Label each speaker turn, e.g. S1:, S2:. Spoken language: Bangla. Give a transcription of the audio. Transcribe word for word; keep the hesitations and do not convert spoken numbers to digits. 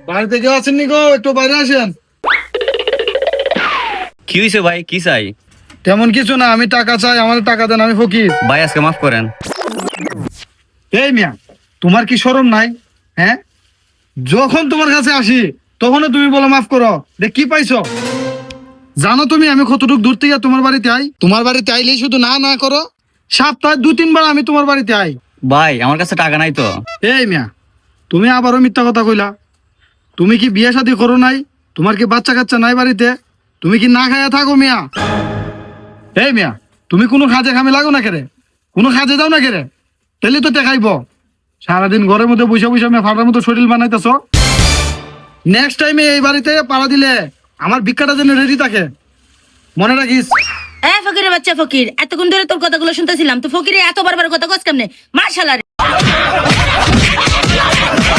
S1: বাড়িতে কেউ আছেন নি গো? একটু বাইরে আসেন।
S2: কি হয়েছে ভাই, কি চাই?
S1: তেমন কিছু না, আমি টাকা চাই, আমার টাকা দেন, আমি ফকির।
S2: ভাই আজকে মাফ করেন।
S1: এই মিয়া, তোমার কি শরম নাই? হ্যাঁ, যখন তোমার কাছে আসি তখনও তুমি বলো মাফ করো। দেখ কি পাইছো? জানো তুমি আমি কতটুকু দূর থেকে তোমার বাড়িতে আই? তোমার বাড়িতে আইলেই শুধু না না করো। সপ্তাহে দু তিনবার আমি তোমার বাড়িতে আই।
S2: ভাই আমার কাছে টাকা নাই তো।
S1: এই মিয়া, তুমি আবারও মিথ্যা কথা কইলা। তুমি কি বিয়ে শাদী করো নাই? তোমার কি বাচ্চা কাচ্চা নাই বাড়িতে? তুমি কি না খাইয়া থাকো মিয়া? এই মিয়া, তুমি কোনো কাজে খামে লাগো না কেরে? কোনো কাজে যাও না কেরে? তাহলে তো দেখাইব সারাদিন ঘরের মধ্যে বসে বসে আমি ফাটার মতো শরীর বানাইতেছ। নেক্সট টাইমে এই বাড়িতে পাড়া দিলে আমার ভিক্ষাটা যেন রেডি থাকে, মনে রাখিস।
S3: এ ফকিরের বাচ্চা ফকির, এতক্ষণ ধরে তোর কথাগুলো শুনতেছিলাম, তো ফকিরে এত বারবার কথা কস কেমনে? মাশাআল্লাহ।